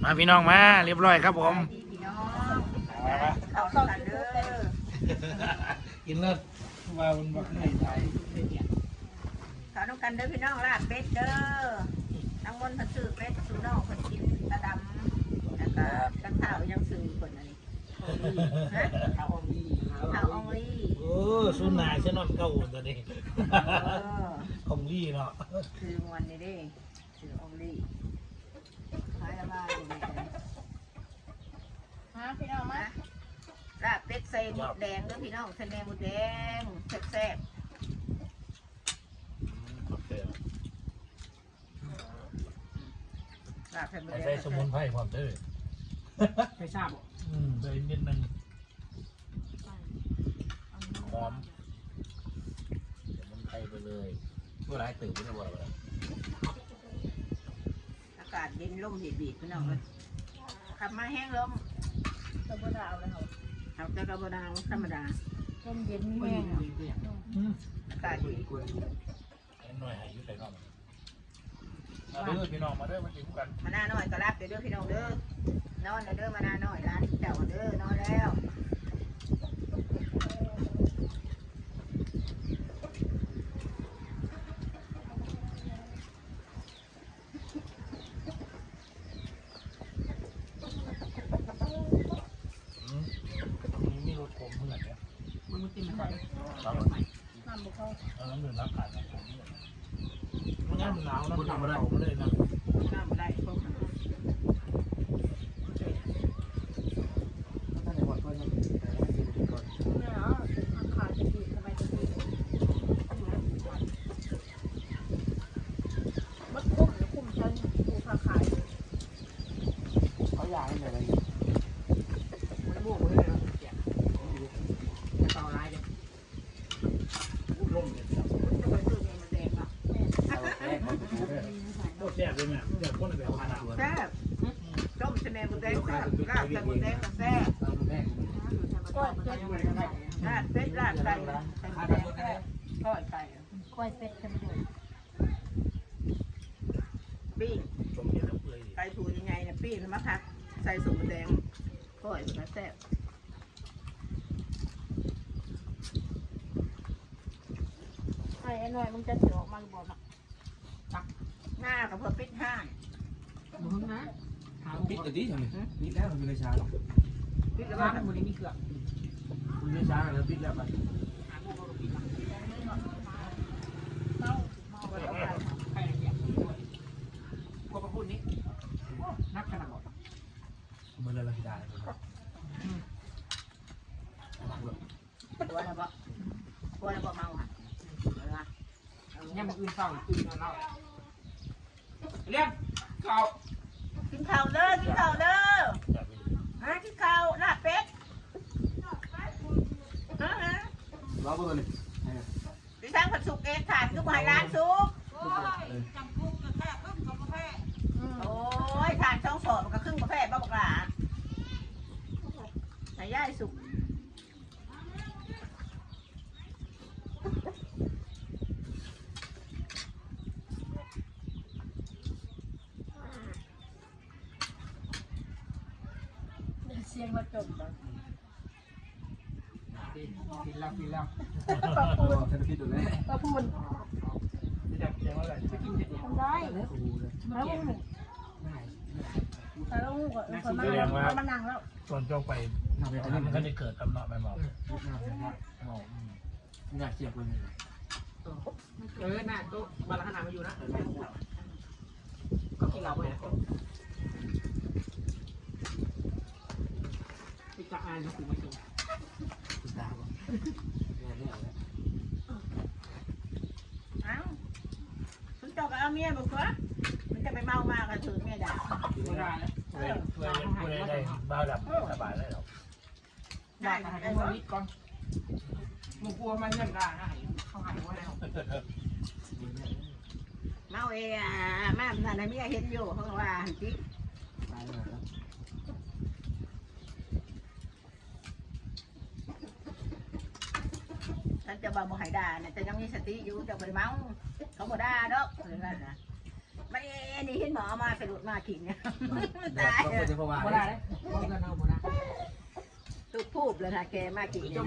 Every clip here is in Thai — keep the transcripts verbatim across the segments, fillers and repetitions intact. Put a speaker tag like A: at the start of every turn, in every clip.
A: มาพี่น้องมาเรียบร้อยครับผม
B: พี่น้องเขาเข้ากันเด้อ
A: กินเลิศว่ามันบักไม่ไทย
B: เขาต้องกันเด้อพี่น้องลาบเป็ดเด้อน้ำมันผัดซื้อเป็ดสูน้องผัดกินตะดำแล้วก็กันเท้ายังซื้อคนอะไรฮะเท้าองลีเท้าองลี
A: โอ้สุนายเชนอนเก่าตัวนี้องลีเนาะ
B: คือวันนี้ดิคือองลีหายมาอยู่ในใจฮะพี่น้องมาลาบเป็ดใส่หมดแดงเด้อพี่น้องใส่แดงหมดแดงแซ่บ
A: ใส่สมุนไพรความเด้อ
C: ใส่ชาบ
A: อืมใส่นิดนึงหอมสมุนไพรไปเลยเมื่อไรตื่นไม่ได้บ่อยเลย
B: อากาศเย็นลมบีบๆพี่น้องเลยขับมาแห้งลมกระบดาวเลยเขาเอาแต่กระบดาวธรรมดาลมเย็นแห้งอากาศดี
A: หน่อยให้ยุ่ใส่น้องมาเด้อพี่น้องมาเด้อมากินกัน
B: มาหน้าน้อยก็รับเด้อพี่น้องเด้อนอนเด้อมาหน้าน้อยร้านเจ้าเด้อนอนแล้ว
A: มีรถผมเท่าไหร่เนี่ย
C: มันมุติมันได้
A: น้ำน้ำบุกเข้าน้ำดื่มน้ำขาดน้ำผมนี่มันน้ำหนาวน้ำหนาวมาได้ผมเลยนะ
B: น้ำมาได้พวกมัน
C: ถ้าในวันก็ยังแต่ว่าดีดีก่อน
B: เนี่ยเหรอทางขาจะดีทำไมจะดีมัดคุ้มหรือคุ้มฉันดูขาขาย
C: เขาอยากให้อะไรมันบวกเลยนะเสียจะต่อลายเลย
A: ร่มเนี่ย
B: จะไปซื้อเงินมาแดงอ่ะ
A: โคตรแซ่บเลยแม่แซ่บคนแบบขนาด
B: แซ่บต้มชะเนบุแดงแซ่บลาบชะบุแดงก็แซ่บก้อยเป็ดลาบเป็ดลาบไก่ชะบุแดงแซ่บก้อยไก่ก้อยเป็ดชะบุแดงปิ้งไก่ถูยังไงเนี่ยปิ้งมะคักใส่สมแดงก้อยมันแซ่บไอ้หน่อยมึงจะถือออกมาบอกนะหน้ากับเพื่อปิดห้าง
C: มึงนะหาปิดแต่ดีใช่ไหมปิดแล้วมันไม่ช้าหรอกปิดแล้วมันมันมีเกลือ
A: มันไม่ช้าแล้วปิดแล้วไป
C: เต้าเต้าไปเอาไปใครเนี่ยกลัวประพุ่นนี้นักขนาดหมด
A: มันเลยได้
B: ตัวอะไรบ่ตัวอะไรบ่เมาอ่ะ
C: เนี่ยมันอื่นเศร้าอื่นเล่าเรียกเขา
B: กินข้าวเด้อกินข้าวเด้อฮะกินข้าวลาบเป็ดฮะฮะ
C: รอเบอร์เลย
B: ดิฉันผัดสุกเองขาดคือหายร้านสุกโอ้ยทานช่องสอบมันก็ครึ่งกาแฟบ้าบอกหลาไหนย่ายสุกเสียงมาจมเลย
C: กินแล้วกินแล้ว
B: ปลาปูน
C: ฉันคิดดูเลย
B: ปลาปูน
A: จะเสียงอะไร
C: จะกินเสร็จ
B: ทำได้แล้วแต่เราคนมานั่งมานั่งแล้ว
A: ตอนเจ้าไปมันก็ได้เกิดกำเนาะไปหมอ
C: อยากเสียบเลยเออหน้าโต๊ะบาลขนาดมาอยู่นะก็กินเราไปนะไปจับอ่านมาถึงมาถึง
B: เอ้าคุณเจ้าก็เอาเมียบอกว่ามันจะไปเมามากกันถือเมียด่า
C: ไม่ได้แล้ว
A: เพื่อนเพื่อนได้บ้าดับสบายเลยหรอ
C: ได้ไอ้คนนี้ก่อนมึงกลัวมันเงินได้นะเขาหายว่าแล้ว
B: เมาเอ่ะแม่ท่านเมียเห็นอยู่เขาว่าหันจิฉันจะบอกหายด่าเนี่ยจะยังมีสติอยู่จะไปเมาเขาบอกด่าดอกหรือไงนะมันอันนี้เห็นหมอมาสะดุดมาถิ่นเนี่ย
C: ตายเลยเพราะว่าได้เลยเพราะเงินเอาหมดนะ
B: ตุกพูบเลยนะแกมากี่เนี่ย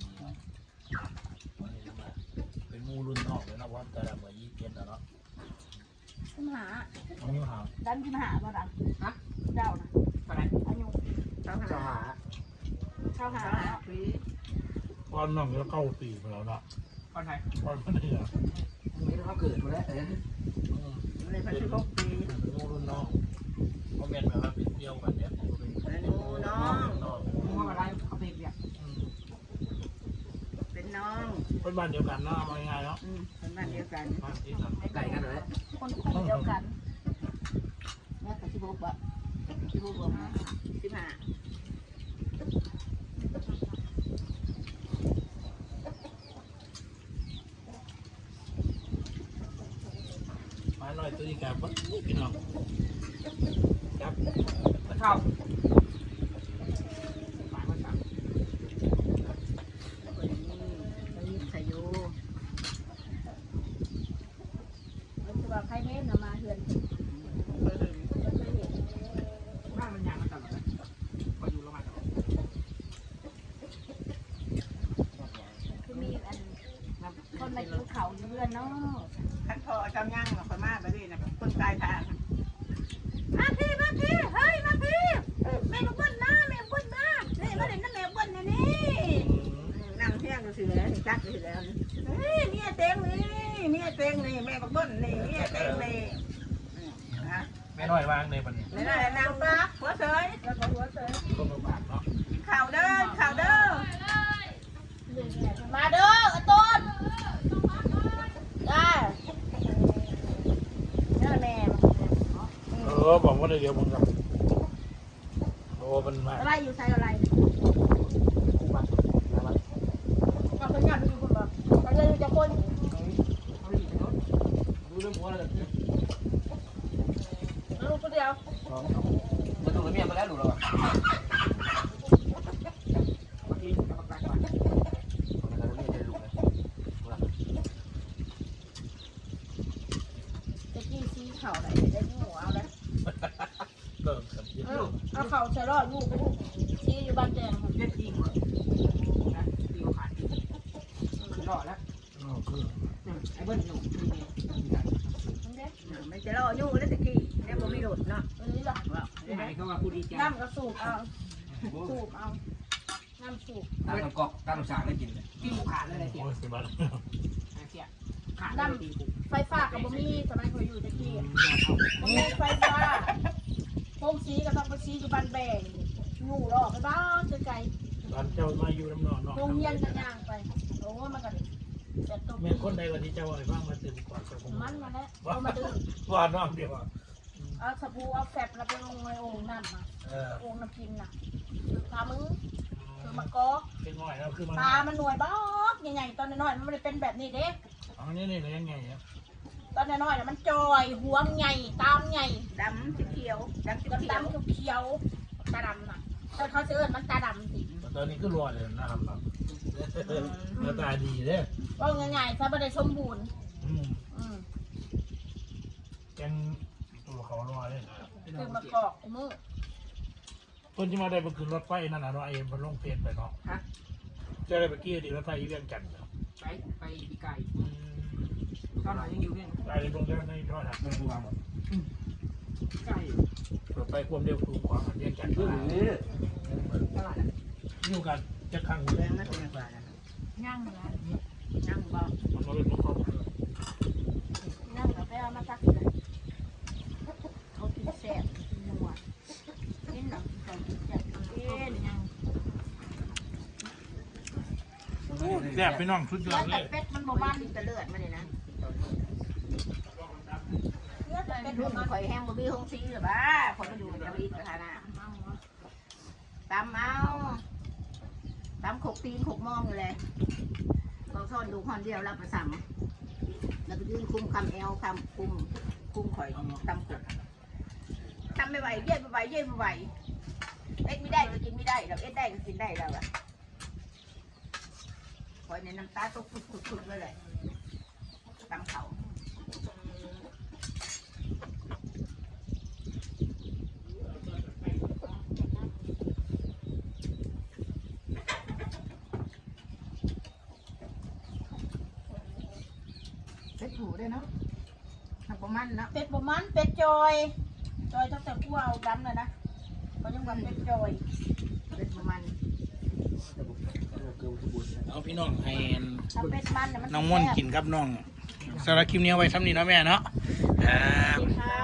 A: เป็นมูรุ่นนอกเลยนะว่าแต่ละเมื่อยี่สิบเจ็ดแล้วเนาะ
D: ขึ้นหา
A: อันนี้หา
D: ดันขึ้นหาบ่ดัน
C: ฮะ
D: เจ้านะ
C: อะไร
D: อายุ
B: เขา
C: จะ
B: หา
C: หา
D: เข้าหา
B: เขาหาปี
A: ก้อนน้องแล้วเก้าปีไปแล้วเนาะ
C: คนไทย
A: ก้อนไม่ได้เหรอ
C: ไม่ต้องเกิดมาแล้วเออ
B: เลยพันสิบหกปี
A: เป็นมูรุ่นนอกเพราะเมียนแบบว่าเป็นเดียวกันเนี่ย
B: เป็นหนูน้อง
C: มึงว่าอะไรเขาเพียเนี่ย
B: เป็นน้อง
A: เป็นบ้านเดียวกันเนาะเอาง่ายๆเนาะ
B: อืมเป็นบ้านเดียวกัน
A: บ้านที่ทำ
C: ไก่กันเลย
D: คนคนเดียวกัน
B: แม่กับสิบหกบะสิบหกบะสิบห้า
A: มาหน่อยตัวนี้กับพี่น้องครับ
C: เข้าหมายว่าสั่ง
B: คนนี้คนนี้สายุ
D: มันคือว่าใครเล่นนะมาเฮือน
B: เคยเห็น
D: เคยเห็น
C: บ้านมันยางมันตลอดเลยพออยู่ละมันตลอด
D: คือมีอันคนมากินเขาอยู่เรือนเนาะ
B: ขันพอเจ้าย่างมาคนมาไปดินะคนกายทางมาพี่มาพี่เฮ้ยมาพี่แม่ลูกบอลนะแม่ลูกบอลนะนี่มาเล่นน้ำแม่ลูกบอลนะนี่นั่งเที่ยงก็สิแล้วนี่จักก็สิแล้วนี่เฮ้ยเนี่ยเต็งนี่เนี่ยเต็งนี่แม่ลูกบอลนี่เนี่ยเต็งนี่ฮะ
A: แม่น้อยวางในปันนี้
B: นี่แหละนางปลาหัวเสย
D: แล้วก็หัวเสย
A: ต้นมะพร้าวเนาะ
B: ข่าวเด้อข่าวเด้อ
D: มาเด้อไอ้ต้นได้เด้อแม่
A: เออบอกว่าเดี๋ยวมึงกับโอ้มันมา
D: อะไรอยู่ใส่อะไร
C: บ้านละมัน
D: ก็เป็นงานอยู่คนบ่ก็เลยจะคน
C: เขาอยู่ในรถดูเรื่องหัวอะไรเนี่ย
D: ลูกคนเดียว
C: มันถูกระเบียบมาแล้วหนูเราอ่ะบางทีกับปากกาก่อนมันจะระเบียบจะดูเลย
D: จะกี้ซีเข่าไหนได้หัวเอาเลย
A: เริ่มกับยึด
D: เอาเอาเข่าใส่รอดลูกลูกซีอยู่บ้านแดงครับ
C: เล่นอีกหมดนะตีเขาขาดอีกคือรอดแล้ว
A: อ๋อคือ
C: ไอ้เบิ้ลหนูมีเมีย
D: มันเด้
B: ไม่จะรออยู่แล้วตะกี้แล้วบ่มีรถเนาะ
D: อันนี้ล่ะ
B: ว่า
C: ที่ไหนเขาว่าผู้ดีใจ
D: น้ำก็สูบเอาสูบเอาน้ำสูบ
C: ตั้งน้ำกอกตั้งน้ำสางได้กินเลยกินขาดเลยเสีย
A: โอ้ยสิบบาท
C: เสียขาดเลยตีกู
D: ไฟฟ้ากับบ่มีสมัยเขาอยู่ตะกี้บ่มีไฟฟ้าโฮมซีก็ต้องไปซีอยู่บ้านแบงอยู่รอไปบ้านไกล
A: ตอนเจ้ามาอยู่น้ำนอนเนาะ
D: ๆโรงเรียนกันย่างไปโอ้มันก็แต่ตก
A: เมียคนใดวันที่เจ้าไอ้บ้างมาตื่นก่อนกับผม
D: มันมาแล้วเอามาดึง
A: ว่าน้องเดียว
D: เอาสบู่เอาแฟบแล้วไปลงในโอ่งนั่นมา
A: เออ
D: โอ่งน้ำกินน่ะพามึงคือมากอก
A: เป็นง่อยแล้วคือมัน
D: ตามันหน่วยบ้อกใหญ่ๆตอนน้อยๆมันไม่ได้เป็นแบบนี้เด้
A: อันนี้นี่เลยยังไงเนี่ย
D: ตอนน้อยๆน่ะมันจอยหัวมันใหญ่ตามใหญ่
B: ดำสีเขียวดำสี
D: ดำ
B: เขียว
D: ดำเขียวๆตาดำน่ะแต่เขาจะเอิ้นมันตาดำสิ
A: ตอนนี้ก็รอเลยนะครับหน้าตาดีเลย
D: ว่าง่ายๆถ้าไม่ได้สมบูรณ์
A: อืม
D: อืม
A: แกงตัวเขารอเลย
D: คือมากอกมือ
A: คนที่มาได้ไปขึ้นรถไฟนั่นน่ะเนาะไอ้มันลงเพจไปเนาะ
C: ฮะ
A: เจะได้ไปกี้ดีรถไฟเรื่องจันทร์เนาะ
C: ไปไปปีไก่ตอนไหนยังอยู่เนี่ย
A: ได้ลงแล้วในทอดหัก
C: มันรวมไก่
A: รถไฟความเร็วสูงกว่าเรื่องจันทร์
C: ตลาด
A: อยู่กันจะขัง
B: แดงนะเป็นกว่านะ
D: ย่างนะ
B: นั่งบ่
A: มันมาเป็นพวกเขา
D: นั่งกับไปเอามาซักเลย
B: เขากินแซ่บนัวกินหนังเขากินแซ่บกิน
D: ย่าง
A: แซ่บพี่น้องสุดยอ
D: เลือ
A: ด
D: ด
A: เลย
D: แต่เป็ดมันบ่มัน
B: กินแต่เลือดมาเนี่ยนะ
D: เลือดแต่เป็
B: เป็
D: ด
B: น
D: บ่
B: รุ่น
D: มัน
B: ข่อยแห้งบ่มีหงซีหรือบ้าคนมาอยู่ในจริตประธานาตำเอาตำขกตีนขกมองอยู่เลยเราซ่อนดูคนเดียวรับประสามแล้วก็ยืนคุมคำแอลคำคุมคุมข่อยตำขกทำไม่ไหวเย็นไม่ไหวเย็นไม่ไหวเอ็ดไม่ได้ก็กินไม่ได้เราเอ็ดได้ก็กินได้เราอะข่อยในน้ำตาตกฟุดๆๆเลยเลยตำเขาเป็ดผูได้เนาะทำประมาณเนาะ
D: เป็ดบ่มันเป็ดจอยจอยตั้งแต่กูเอาดำเลยนะเขายังว่าเป็ดจอย
B: เป็ดประมาณ
A: เอาพี่น้องให้
D: ถ้าเป็ดมันน่ะมัน
A: น้องม่อนกินกับน้องสำหรับคลิปนี้เอาไว้ซ้ำนี้เนาะแม่เนาะครับ
D: ค่ะ